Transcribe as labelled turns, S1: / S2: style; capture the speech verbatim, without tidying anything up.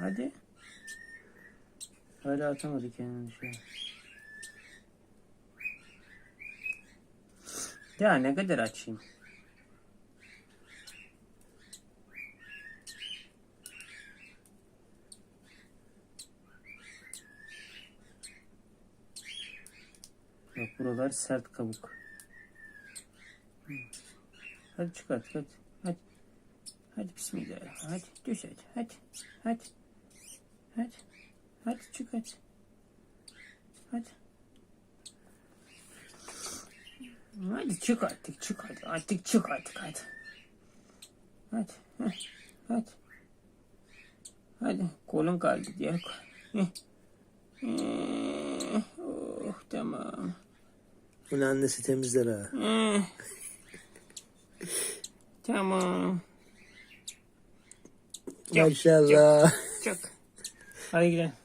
S1: Hadi. Hala atamadı kendini şu an. Ya ne kadar açayım? Bak buralar sert kabuk. Hadi çıkart hadi. Hadi. Hadi bismillah. Hadi düş hadi. Hadi. Hadi. Hadi. Hadi çık hadi. Hadi. Hadi çık artık çık hadi. Artık çık artık hadi. Hadi. Heh. Hadi. Hadi. Kolun kaldı diye. Heh. Heh. Oh tamam.
S2: Bunu annesi temizler ha.
S1: Heh. Tamam.
S2: Maşallah.
S1: Çık. Hadi gidelim.